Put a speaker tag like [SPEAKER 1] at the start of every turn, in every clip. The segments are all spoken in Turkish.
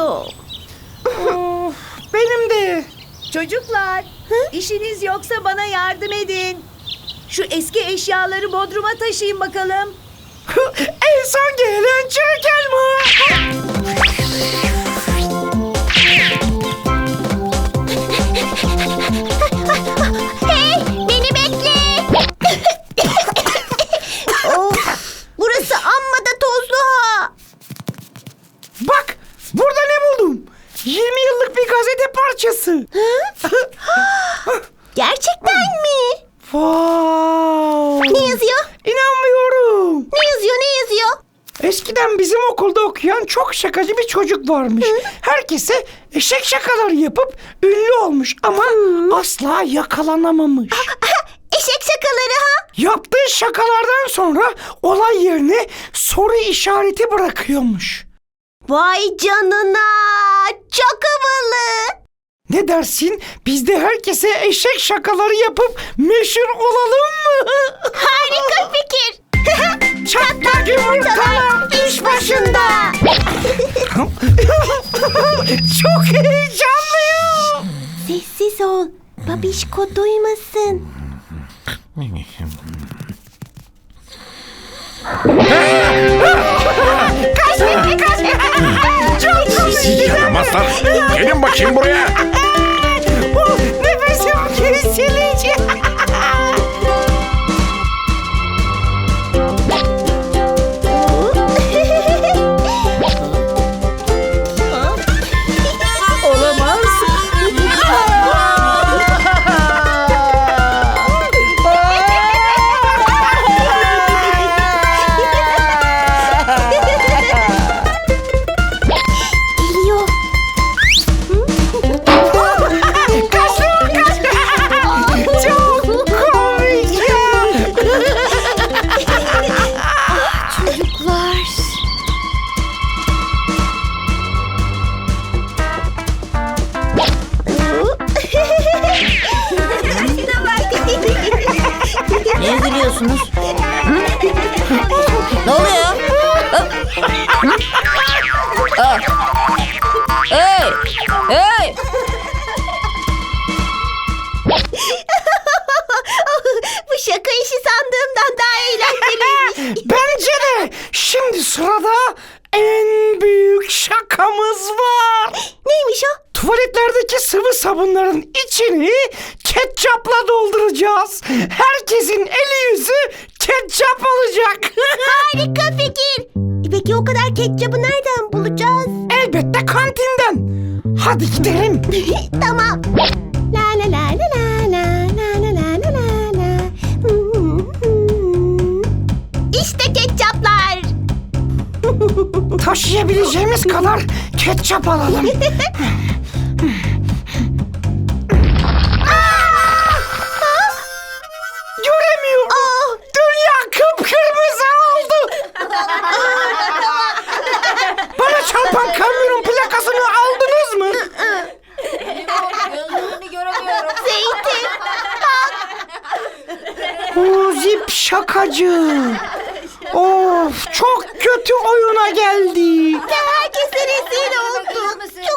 [SPEAKER 1] Yok.
[SPEAKER 2] Of, benim de.
[SPEAKER 3] Çocuklar, işiniz yoksa bana yardım edin. Şu eski eşyaları bodruma taşıyın bakalım.
[SPEAKER 2] En son gelen çirkin mi?
[SPEAKER 1] Hey, beni bekle. Of, burası amma da tozlu ha.
[SPEAKER 2] Bak, burada ne buldum? 20 yıllık bir gazete parçası.
[SPEAKER 1] Gerçekten mi?
[SPEAKER 2] Wow.
[SPEAKER 1] Ne yazıyor?
[SPEAKER 2] İnanmıyorum.
[SPEAKER 1] Ne yazıyor? Ne yazıyor?
[SPEAKER 2] Eskiden bizim okulda okuyan çok şakacı bir çocuk varmış. Herkese eşek şakaları yapıp ünlü olmuş ama asla yakalanamamış.
[SPEAKER 1] Eşek şakaları ha?
[SPEAKER 2] Yaptığı şakalardan sonra olay yerine soru işareti bırakıyormuş.
[SPEAKER 1] Vay canına. Çok havalı.
[SPEAKER 2] Ne dersin? Biz de herkese eşek şakaları yapıp meşhur olalım mı?
[SPEAKER 1] Harika fikir.
[SPEAKER 2] Çatlak yumurtalar iş başında. Çok heyecanlıyım.
[SPEAKER 1] Sessiz ol. Babişko duymasın.
[SPEAKER 2] Kaç. Çok komik.
[SPEAKER 4] Yaramazlar. Gelin bakayım buraya.
[SPEAKER 2] Nefesim kesilecek.
[SPEAKER 3] Olamaz.
[SPEAKER 1] Geliyor.
[SPEAKER 2] Çok komik ya.
[SPEAKER 1] Çocuklar.
[SPEAKER 5] Niye gülüyorsunuz? Ne oluyor? Hey! Hey!
[SPEAKER 1] Bu şaka işi sandığımdan daha eğlenceliymiş.
[SPEAKER 2] Bence de şimdi sırada en büyük şakamız var.
[SPEAKER 1] Neymiş o?
[SPEAKER 2] Tuvaletlerdeki sıvı sabunların içini ketçapla dolduracağız. Herkesin eli yüzü ketçap olacak.
[SPEAKER 1] Harika fikir. Peki o kadar ketçabı nereden bulacağız?
[SPEAKER 2] Elbette kantinden. Hadi gidelim.
[SPEAKER 1] Tamam. La la la la la la la la la la la. İşte ketçaplar.
[SPEAKER 2] Taşıyabileceğimiz kadar ketçap alalım. Göremiyorum. Dünya kıpkırmızı oldu. Bana çarpan kamyonun plakasını aldınız mı?
[SPEAKER 5] Gözlerini göremiyorum.
[SPEAKER 1] Zeytin.
[SPEAKER 2] O zip şakacı. Of, çok kötü oyuna geldik.
[SPEAKER 1] Herkese rezil olduk. Çok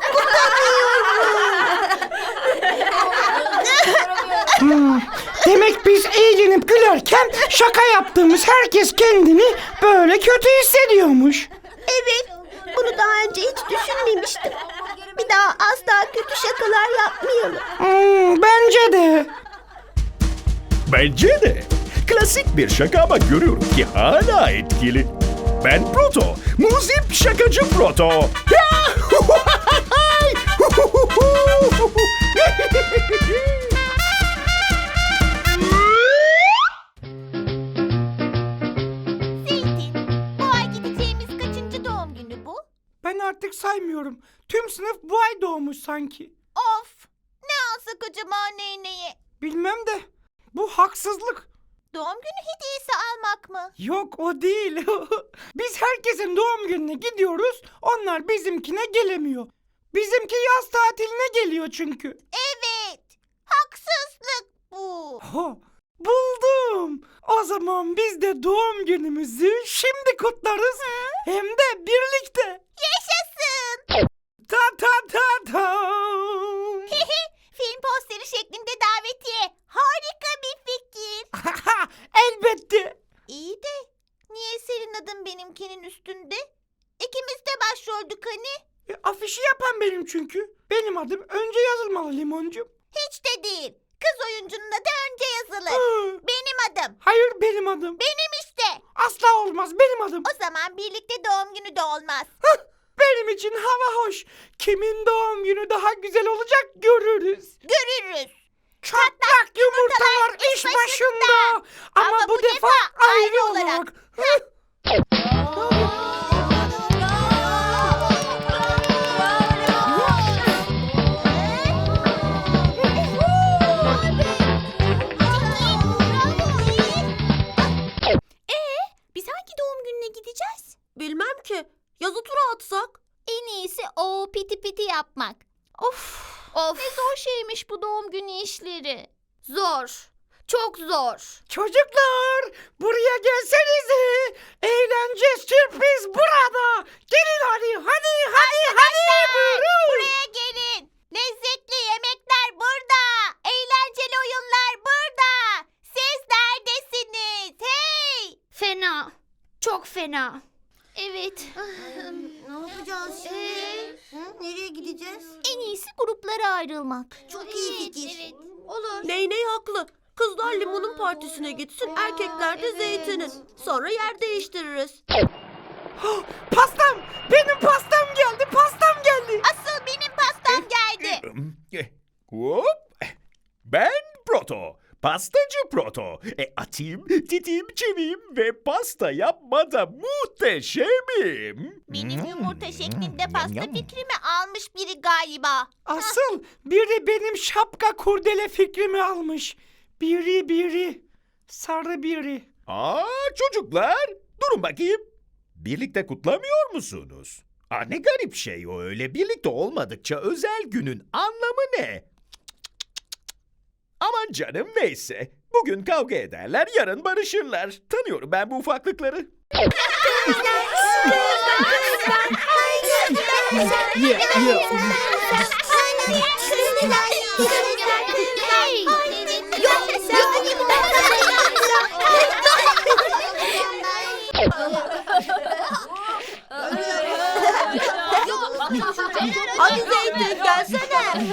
[SPEAKER 2] Demek biz eğlenip gülerken şaka yaptığımız herkes kendini böyle kötü hissediyormuş.
[SPEAKER 1] Evet. Bunu daha önce hiç düşünmemiştim. Bir daha asla kötü şakalar yapmayalım.
[SPEAKER 2] Bence de.
[SPEAKER 4] Bence de. Klasik bir şaka ama görüyorum ki hala etkili. Ben Proto. Muzip şakacı Proto.
[SPEAKER 1] Zeytin, bu ay gideceğimiz kaçıncı doğum günü bu?
[SPEAKER 2] Ben artık saymıyorum. Tüm sınıf bu ay doğmuş sanki.
[SPEAKER 1] Of! Ne alsak acaba neyneye?
[SPEAKER 2] Bilmem de bu haksızlık.
[SPEAKER 1] Doğum günü hediyesi almak mı?
[SPEAKER 2] Yok, o değil. Biz herkesin doğum gününe gidiyoruz. Onlar bizimkine gelemiyor. Bizimki yaz tatiline geliyor çünkü.
[SPEAKER 1] Evet. Haksızlık bu.
[SPEAKER 2] Ha, buldum. O zaman biz de doğum günümüzü şimdi kutlarız. Hem de birlikte.
[SPEAKER 1] Yaşasın.
[SPEAKER 2] Tabii. ta ta ta.
[SPEAKER 1] Film posteri şeklinde davetiye. Harika bir fikir.
[SPEAKER 2] Elbette.
[SPEAKER 1] İyi de niye senin adın benimkinin üstünde? İkimiz de başroldük hani.
[SPEAKER 2] Afişi yapan benim çünkü. Benim adım önce yazılmalı Limoncuğum.
[SPEAKER 1] Hiç de değil. Kız oyuncunun adı önce yazılır.
[SPEAKER 2] Hı.
[SPEAKER 1] Benim adım.
[SPEAKER 2] Hayır benim adım.
[SPEAKER 1] Benim işte.
[SPEAKER 2] Asla olmaz benim adım.
[SPEAKER 1] O zaman birlikte doğum günü de olmaz.
[SPEAKER 2] Benim için hava hoş. Kimin doğum günü daha güzel olacak görürüz.
[SPEAKER 1] Görürüz.
[SPEAKER 2] Çatlak yumurtalar iş başında. Ama bu defa ayrı olarak.
[SPEAKER 1] Biz hangi doğum gününe gideceğiz?
[SPEAKER 6] Bilmem ki. Yazı tura atsak.
[SPEAKER 1] En iyisi o piti piti yapmak. Of. Ne zor şeymiş bu doğum günü işleri. Zor. Çok zor.
[SPEAKER 2] Çocuklar buraya gelsenize. Eğlence sürpriz burada. Gelin hadi. Buyurun.
[SPEAKER 1] Buraya gelin. Lezzetli yemekler burada. Eğlenceli oyunlar burada. Siz neredesiniz? Hey! Fena. Çok fena. Evet.
[SPEAKER 6] Ne yapacağız şimdi? Nereye gideceğiz?
[SPEAKER 1] En iyisi gruplara ayrılmak.
[SPEAKER 6] Çok iyi fikir.
[SPEAKER 1] Olur.
[SPEAKER 6] Ney haklı. Kızlar limonun partisine gitsin, erkekler de zeytinin. Sonra yer değiştiririz.
[SPEAKER 2] Pastam. Benim pastam geldi.
[SPEAKER 1] Asıl benim pastam geldi.
[SPEAKER 4] Hop. Ben Proto. Pastacı Proto. Atayım, titiğim, çeviyim ve pasta yapmada muhteşemim.
[SPEAKER 1] Benim yumurta şeklinde pasta fikrimi almış biri galiba.
[SPEAKER 2] Asıl biri benim şapka kurdele fikrimi almış. Biri. Sarı biri.
[SPEAKER 4] Çocuklar, durun bakayım. Birlikte kutlamıyor musunuz? Ne garip şey o öyle. Birlikte olmadıkça özel günün anlamı ne? Aman canım neyse. Bugün kavga ederler, yarın barışırlar. Tanıyorum ben bu ufaklıkları.
[SPEAKER 6] Hadi Zeytin gelsene.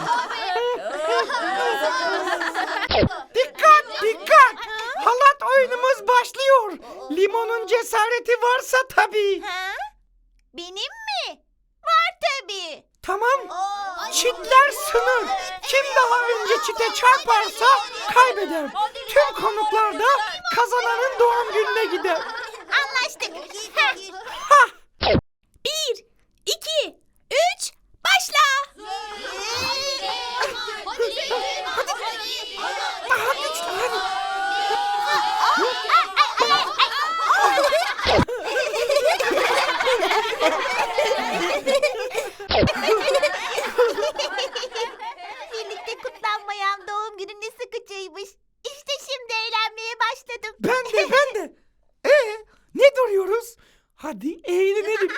[SPEAKER 2] Dikkat! Halat oyunumuz başlıyor. Limonun cesareti varsa tabii.
[SPEAKER 1] Ha? Benim mi? Var tabii.
[SPEAKER 2] Tamam. Çitler sınır. Kim daha önce çite çarparsa kaybeder. Tüm konuklar da kazananın doğum gününe gider.
[SPEAKER 1] Anlaştık.
[SPEAKER 2] Hah!
[SPEAKER 1] 1, 2, 3, başla.
[SPEAKER 2] Daha güçlü hadi.
[SPEAKER 1] Birlikte kutlanmayan doğum günü ne sıkıcıymış. İşte şimdi eğlenmeye başladım.
[SPEAKER 2] Ben de. Ne duruyoruz? Hadi eğlenelim.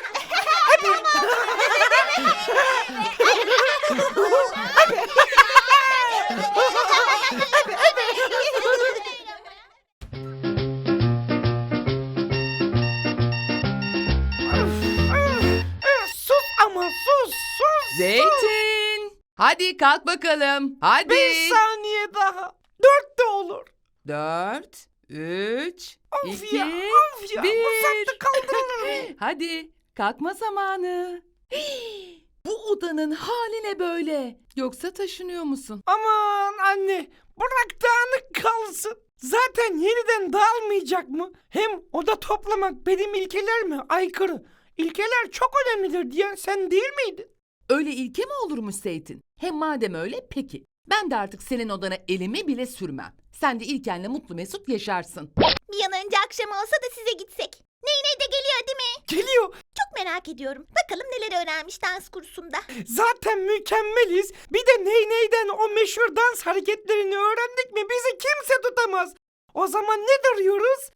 [SPEAKER 2] Sus ama sus.
[SPEAKER 7] Zeytin! Hadi kalk bakalım. Hadi.
[SPEAKER 2] 5 saniye daha. 4 de olur.
[SPEAKER 7] 4, 3,
[SPEAKER 2] Of
[SPEAKER 7] 2,
[SPEAKER 2] ya, of ya.
[SPEAKER 7] 1.
[SPEAKER 2] Bu saatte kaldırılır mı?
[SPEAKER 7] Hadi kalkma zamanı. Bu odanın hali ne böyle? Yoksa taşınıyor musun?
[SPEAKER 2] Aman anne, bırak dağınık kalsın. Zaten yeniden dağılmayacak mı? Hem oda toplamak benim ilkelerime aykırı. İlkeler çok önemlidir diyen sen değil miydin?
[SPEAKER 7] Öyle ilke mi olurmuş Zeytin? Hem madem öyle peki. Ben de artık senin odana elimi bile sürmem. Sen de İlken'le mutlu mesut yaşarsın.
[SPEAKER 1] Bir an önce akşam olsa da size gitsek. Ney de geliyor değil mi?
[SPEAKER 2] Geliyor.
[SPEAKER 1] Çok merak ediyorum. Bakalım neler öğrenmiş dans kursunda.
[SPEAKER 2] Zaten mükemmeliz. Bir de neyden o meşhur dans hareketlerini öğrendik mi bizi kimse tutamaz. O zaman ne duruyoruz?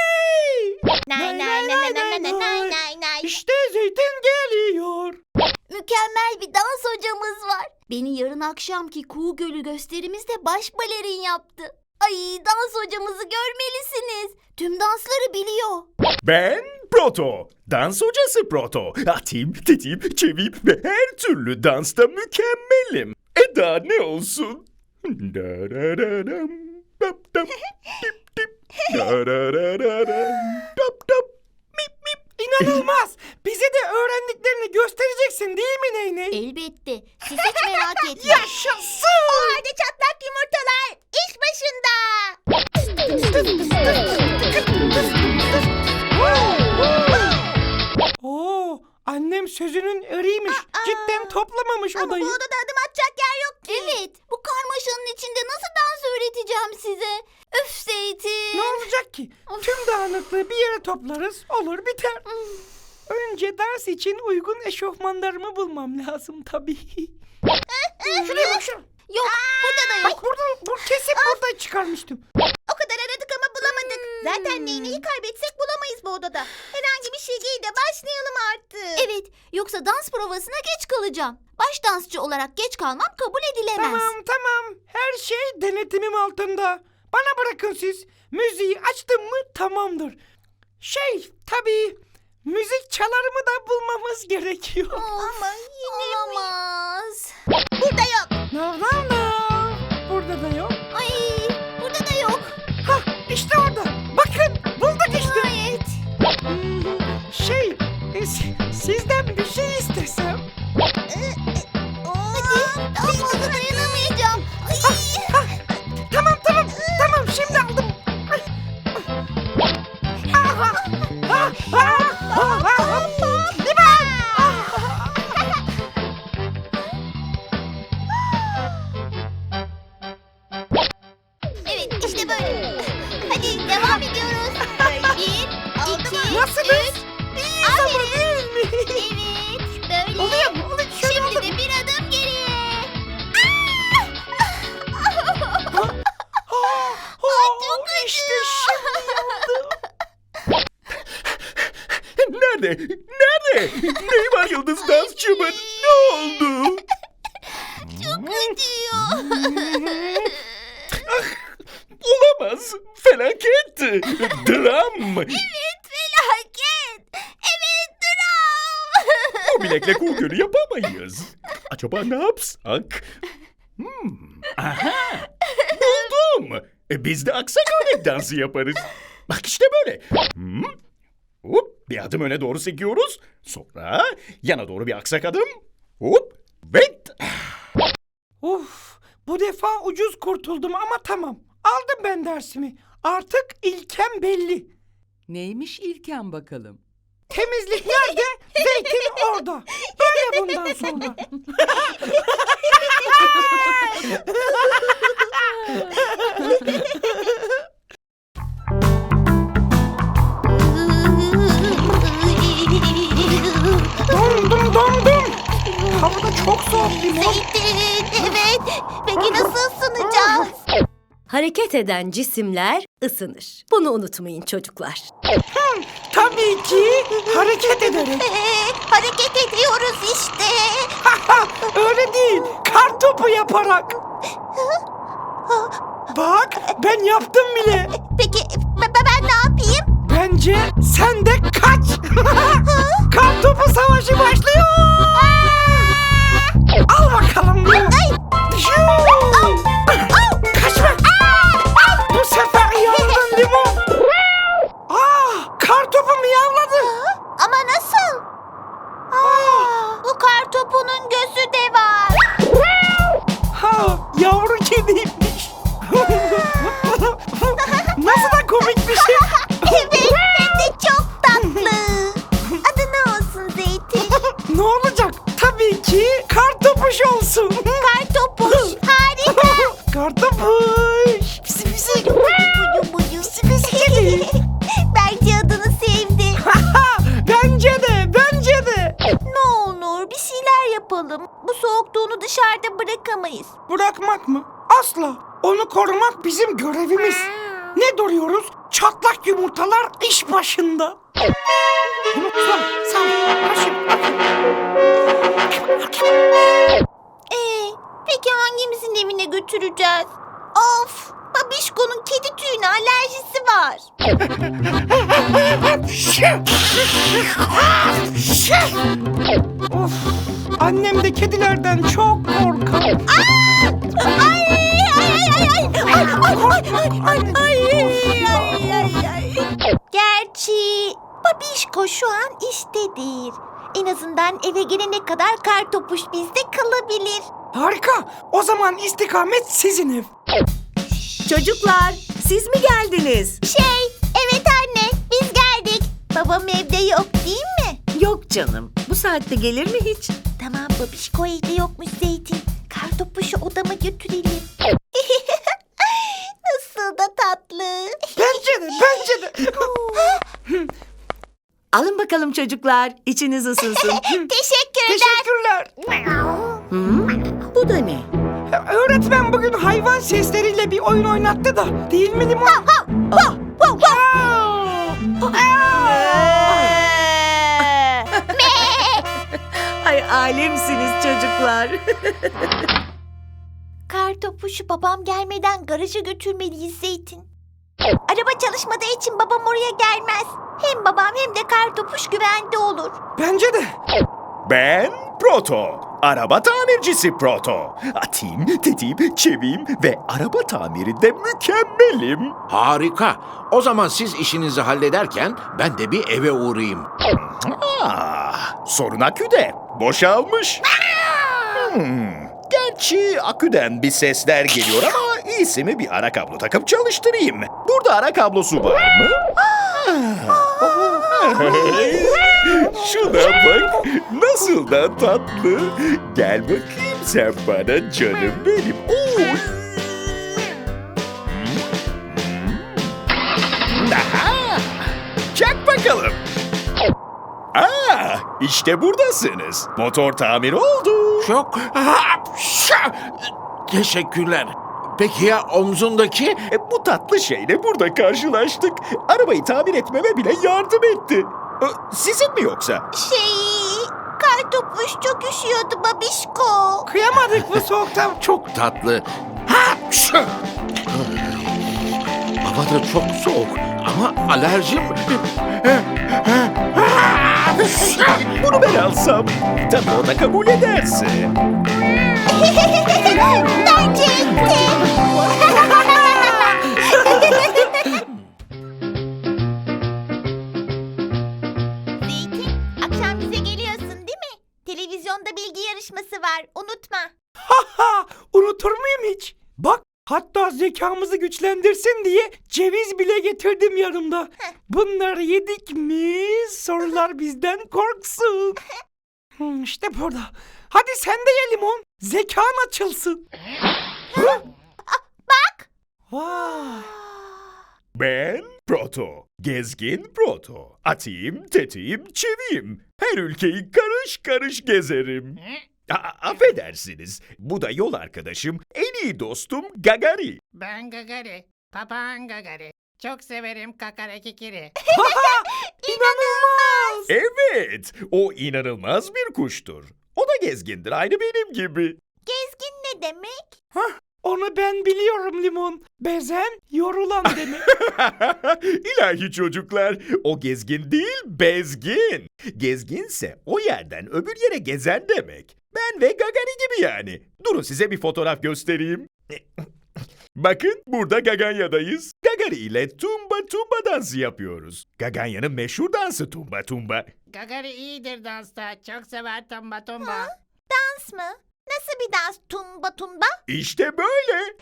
[SPEAKER 2] Hadi!
[SPEAKER 1] Nay nay nay nay nay nay nay nay.
[SPEAKER 2] İşte Zeytin geliyor.
[SPEAKER 1] mükemmel bir dans hocamız var. Beni yarın akşamki Kuğu Gölü gösterimizde baş balerin yaptı. Ay, dans hocamızı görmelisiniz. Tüm dansları biliyor.
[SPEAKER 4] Ben Proto. Dans hocası Proto. Atim, tetim, çevim ve her türlü dansta mükemmelim. Daha ne olsun? Darararam, dap dap, dip dip. Darararam, dap dap, mip mip.
[SPEAKER 2] İnanılmaz. Bize de öğrendiklerini göstereceksin değil mi Ney?
[SPEAKER 1] Elbette. Siz hiç merak etmeyin.
[SPEAKER 2] Yaşasın.
[SPEAKER 1] Hadi çatlak yumurtalar, iş başında.
[SPEAKER 2] Oo, annem sözünün eriymiş. Cidden toplamamış odayı.
[SPEAKER 1] odada adım atacak yer yok ki. Evet, bu karmaşanın içinde nasıl dans öğreteceğim size? Öf Zeytin.
[SPEAKER 2] Ne olacak ki? Tüm dağınıklığı bir yere toplarız, olur biter. Önce ders için uygun eşofmanlarımı bulmam lazım tabii. Şuraya bak şuraya.
[SPEAKER 1] Yok, burada da yok.
[SPEAKER 2] Bak buradan, kesin buradan çıkarmıştım.
[SPEAKER 1] O kadar aradık ama bulamadık. Zaten neyneyi kaybetsek bulamayız bu odada. Herhangi bir şey giy de başlayalım artık. Evet, yoksa dans provasına geç kalacağım. Baş dansçı olarak geç kalmam kabul edilemez.
[SPEAKER 2] Tamam. Her şey denetimim altında. Bana bırakın siz. Müziği açtım mı tamamdır. Tabii müzik çalarımı da bulmamız gerekiyor.
[SPEAKER 1] Ama yine olamaz. Burada yok.
[SPEAKER 2] No. Burada da yok.
[SPEAKER 1] Ay, burada da yok.
[SPEAKER 2] Hah, işte orada. Bakın, bulduk işte.
[SPEAKER 1] Evet.
[SPEAKER 2] Sizden bir şey istesem.
[SPEAKER 1] Hadi, daha fazla dayanamayacağım.
[SPEAKER 2] Tamam, şimdi aldım.
[SPEAKER 1] Evet, işte böyle. Hadi devam ediyoruz. 1, 2,
[SPEAKER 2] Nasılız?
[SPEAKER 1] 3. Aferin. Evet, böyle.
[SPEAKER 2] Oluyor mu?
[SPEAKER 1] Şimdi de bir adım geriye. Çok
[SPEAKER 2] İşte şimdi oldu.
[SPEAKER 4] Nerede? Neyi var yıldız dansçımın? Ne oldu?
[SPEAKER 1] Çok acıyor.
[SPEAKER 4] Olamaz. Felaket. Dram.
[SPEAKER 1] Evet, felaket. Evet, dram.
[SPEAKER 4] Bu bilekle Kuğu Gölü yapamayız. Acaba ne yapsak? Aha. Buldum. Biz de aksak örnek dansı yaparız. Bak işte böyle. Hop, bir adım öne doğru sekiyoruz. Sonra yana doğru bir aksak adım. Hop ve...
[SPEAKER 2] Bu defa ucuz kurtuldum ama tamam. Aldım ben dersimi. Artık ilkem belli.
[SPEAKER 7] Neymiş ilken bakalım?
[SPEAKER 2] Temizlik nerede? Zeytin orada. Böyle bundan sonra. Dondum. Havada çok soğuk limon.
[SPEAKER 1] Zeytin, evet. Peki nasıl ısınacağız?
[SPEAKER 8] Hareket eden cisimler ısınır. Bunu unutmayın çocuklar.
[SPEAKER 2] Tabii ki hareket ederek.
[SPEAKER 1] Hareket ediyoruz işte.
[SPEAKER 2] Öyle değil. Kartopu yaparak. Bak ben yaptım bile.
[SPEAKER 1] Peki ben ne yapayım?
[SPEAKER 2] Bence sen de kaç. Kartopu savaşı başlıyor. Al bakalım. Kaçma. Bu sefer yavladın limon. Kartopu miyavladı.
[SPEAKER 1] Ama nasıl? Bu kartopunun gözü de var.
[SPEAKER 2] Yavru kediymiş. Nasıl da komik bir şey.
[SPEAKER 1] Evet, hem de çok tatlı. Adı ne olsun Zeytin?
[SPEAKER 2] Ne olacak? Tabii ki kartopuş olsun.
[SPEAKER 1] Kartopuş, harika.
[SPEAKER 2] Kartopuş. Pisi pisi.
[SPEAKER 1] Buyu buyu.
[SPEAKER 2] Pisi kedi.
[SPEAKER 1] Bence adını sevdi.
[SPEAKER 2] Bence de.
[SPEAKER 1] Ne olur bir şeyler yapalım. Bu soğukta onu dışarıda bırakamayız.
[SPEAKER 2] Bırakmak mı? Asla. Onu korumak bizim görevimiz. Ne duruyoruz? Çatlak yumurtalar iş başında. Limon sağ ol.
[SPEAKER 1] Peki hangimizin evine götüreceğiz? Of! Babişko'nun kedi tüyüne alerjisi var.
[SPEAKER 2] Of, annem de kedilerden çok korkar.
[SPEAKER 1] Gerçi Babişko şu an iştedir. En azından eve gelene kadar Kartopuş bizde kalabilir.
[SPEAKER 2] Harika. O zaman istikamet sizin ev.
[SPEAKER 3] Çocuklar, siz mi geldiniz?
[SPEAKER 1] Evet anne, biz geldik. Babam evde yok değil mi?
[SPEAKER 3] Yok canım. Bu saatte gelir mi hiç?
[SPEAKER 1] Tamam, Babişko evde yokmuş Zeytin. Kartopuşu odama götürelim. Nasıl da tatlı.
[SPEAKER 2] Bence de.
[SPEAKER 3] Alın bakalım çocuklar. İçiniz ısınsın.
[SPEAKER 1] Teşekkürler.
[SPEAKER 3] Bu da ne?
[SPEAKER 2] Öğretmen bugün hayvan sesleriyle bir oyun oynattı da. Değil mi Limon?
[SPEAKER 3] Ay alemsiniz çocuklar.
[SPEAKER 1] Kartopuşu babam gelmeden garaja götürmeliyiz Zeytin. Araba çalışmadığı için babam oraya gelmez. Hem babam hem de Kartopuş güvende olur.
[SPEAKER 2] Bence de.
[SPEAKER 4] Ben Proto. Araba tamircisi Proto. Atayım, tetiğim, çeviyim ve araba tamirinde mükemmelim.
[SPEAKER 9] Harika. O zaman siz işinizi hallederken ben de bir eve uğrayayım.
[SPEAKER 4] Sorun aküde. Boşalmış. Gerçi aküden bir sesler geliyor ama iyisi mi bir ara kablo takıp çalıştırayım. Burada ara kablosu var mı? Şuna bak. Nasıl da tatlı. Gel bakayım sen bana canım benim. Oy. Aha! Çak bakalım. İşte buradasınız. Motor tamir oldu.
[SPEAKER 9] Çok... Teşekkürler. Peki ya omzundaki?
[SPEAKER 4] Bu tatlı şeyle burada karşılaştık. Arabayı tamir etmeme bile yardım etti. Sizin mi yoksa?
[SPEAKER 1] Kartopuş çok üşüyordu Babişko.
[SPEAKER 2] Kıyamadık bu soğukta.
[SPEAKER 9] Çok tatlı. Hava da çok soğuk ama alerjim...
[SPEAKER 4] Bunu ben alsam. Tabii o da kabul ederse.
[SPEAKER 1] Bence Zeytin, akşam bize geliyorsun değil mi? Televizyonda bilgi yarışması var, unutma.
[SPEAKER 2] Unutur muyum hiç? Bak, hatta zekamızı güçlendirsin diye ceviz bile getirdim yanımda. Bunları yedik mi sorular bizden korksun. İşte burada. Hadi sen de ye Limon. Zekan açılsın.
[SPEAKER 1] Bak.
[SPEAKER 2] Vay.
[SPEAKER 4] Ben Proto. Gezgin Proto. Atayım, tetiğim, çeviyim. Her ülkeyi karış karış gezerim. Affedersiniz. Bu da yol arkadaşım, en iyi dostum Gagari.
[SPEAKER 10] Ben Gagari. Papağan Gagari. Çok severim kakare kikiri.
[SPEAKER 2] İnanılmaz.
[SPEAKER 4] Evet, o inanılmaz bir kuştur. O da gezgindir, aynı benim gibi.
[SPEAKER 1] Gezgin ne demek?
[SPEAKER 2] Onu ben biliyorum Limon. Bezen yorulan demek.
[SPEAKER 4] İlahi çocuklar, o gezgin değil, bezgin. Gezginse o yerden öbür yere gezen demek. Ben ve Gagani gibi yani. Durun size bir fotoğraf göstereyim. Bakın burada Gaganya'dayız. Gagari ile tumba tumba dansı yapıyoruz. Gaganya'nın meşhur dansı tumba tumba.
[SPEAKER 10] Gagari iyidir dansta. Çok sever tomba tomba.
[SPEAKER 1] Dans mı? Nasıl bir dans? Tumba tumba?
[SPEAKER 4] İşte böyle.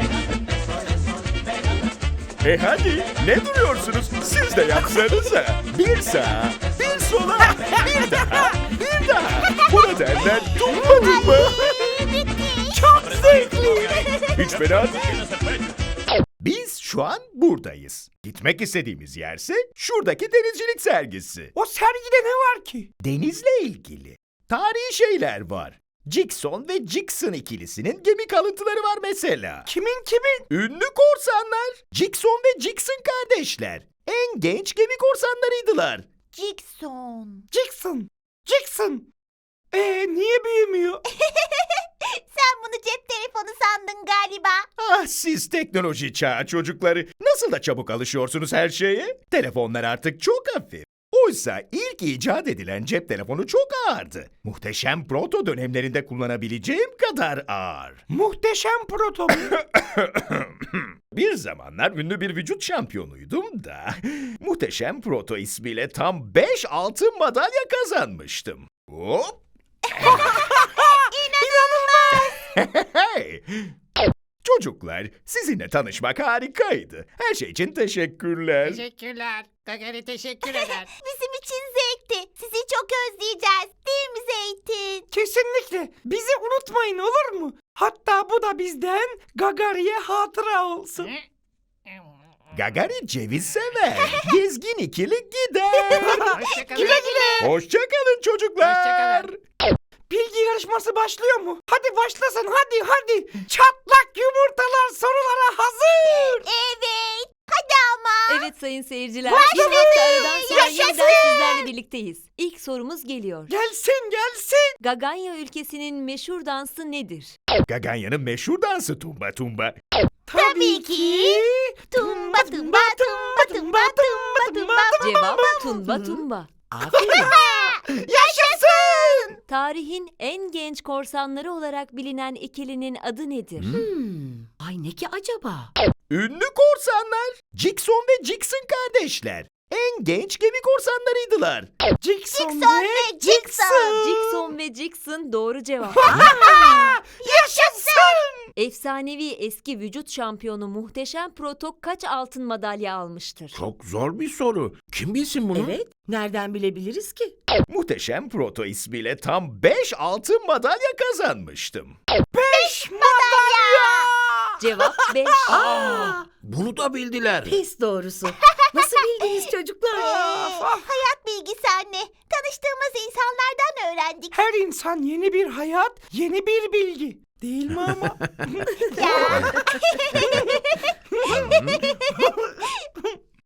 [SPEAKER 4] Hadi ne duruyorsunuz? Siz de yapsanıza. Bir sağa, bir sola, bir daha, bir daha. Buna derler tumba tumba. Çok zevkli. Hiç fena değil. Biz şu an buradayız. Gitmek istediğimiz yerse şuradaki denizcilik sergisi.
[SPEAKER 2] O sergide ne var ki?
[SPEAKER 4] Denizle ilgili tarihi şeyler var. Jackson ve Jackson ikilisinin gemi kalıntıları var mesela.
[SPEAKER 2] Kimin?
[SPEAKER 4] Ünlü korsanlar. Jackson ve Jackson kardeşler. En genç gemi korsanlarıydılar.
[SPEAKER 1] Jackson.
[SPEAKER 2] Jackson. Niye büyümüyor?
[SPEAKER 1] Sen bunu cep telefonu sandın galiba.
[SPEAKER 4] Ah siz teknoloji çağı çocukları. Nasıl da çabuk alışıyorsunuz her şeye? Telefonlar artık çok hafif. Oysa ilk icat edilen cep telefonu çok ağırdı. Muhteşem proto dönemlerinde kullanabileceğim kadar ağır.
[SPEAKER 2] Muhteşem proto mu?
[SPEAKER 4] Bir zamanlar ünlü bir vücut şampiyonuydum da Muhteşem Proto ismiyle tam 5 altın madalya kazanmıştım. Hop! Hey! Çocuklar, sizinle tanışmak harikaydı. Her şey için teşekkürler.
[SPEAKER 10] Teşekkürler. Gagari teşekkür eder.
[SPEAKER 1] Bizim için zevkti. Sizi çok özleyeceğiz. Değil mi Zeytin?
[SPEAKER 2] Kesinlikle. Bizi unutmayın olur mu? Hatta bu da bizden Gagari'ye hatıra olsun.
[SPEAKER 4] Gagari ceviz sever. Gezgin ikili gider.
[SPEAKER 10] Hoşçakalın.
[SPEAKER 4] Hoşçakalın çocuklar.
[SPEAKER 10] Hoşçakalın.
[SPEAKER 2] Bilgi yarışması başlıyor mu? Hadi başlasın hadi. Çatlak yumurtalar sorulara hazır.
[SPEAKER 1] Evet. Hadi ama.
[SPEAKER 5] Evet sayın seyirciler.
[SPEAKER 1] Başladı.
[SPEAKER 5] Bir hafta aradan sonra
[SPEAKER 1] Yaşasın.
[SPEAKER 5] yeniden sizlerle birlikteyiz. İlk sorumuz geliyor.
[SPEAKER 2] Gelsin.
[SPEAKER 5] Gaganya ülkesinin meşhur dansı nedir?
[SPEAKER 4] Gaganya'nın meşhur dansı tumba tumba.
[SPEAKER 1] Tabii ki. Tumba tumba tumba tumba tumba tumba.
[SPEAKER 5] Cevap tumba tumba.
[SPEAKER 2] Yaşasın.
[SPEAKER 5] Tarihin en genç korsanları olarak bilinen ikilinin adı nedir?
[SPEAKER 8] Ay ne ki acaba?
[SPEAKER 4] Ünlü korsanlar. Jackson ve Jackson kardeşler. En genç gemi korsanlarıydılar.
[SPEAKER 2] Jackson
[SPEAKER 1] ve Jackson.
[SPEAKER 5] Jackson ve Jackson doğru cevap.
[SPEAKER 2] Yaşasın.
[SPEAKER 5] Efsanevi eski vücut şampiyonu Muhteşem Proto kaç altın madalya almıştır?
[SPEAKER 9] Çok zor bir soru. Kim bilsin bunu?
[SPEAKER 3] Evet. Nereden bilebiliriz ki?
[SPEAKER 4] Muhteşem Proto ismiyle tam 5 altın madalya kazanmıştım.
[SPEAKER 2] 5 madalya.
[SPEAKER 5] Cevap 5.
[SPEAKER 9] Bunu da bildiler.
[SPEAKER 3] Pis doğrusu. Nasıl bildiniz çocuklar?
[SPEAKER 1] Hayat bilgisi anne. Tanıştığımız insanlardan öğrendik.
[SPEAKER 2] Her insan yeni bir hayat, yeni bir bilgi. Değil mi ama?
[SPEAKER 1] Ya.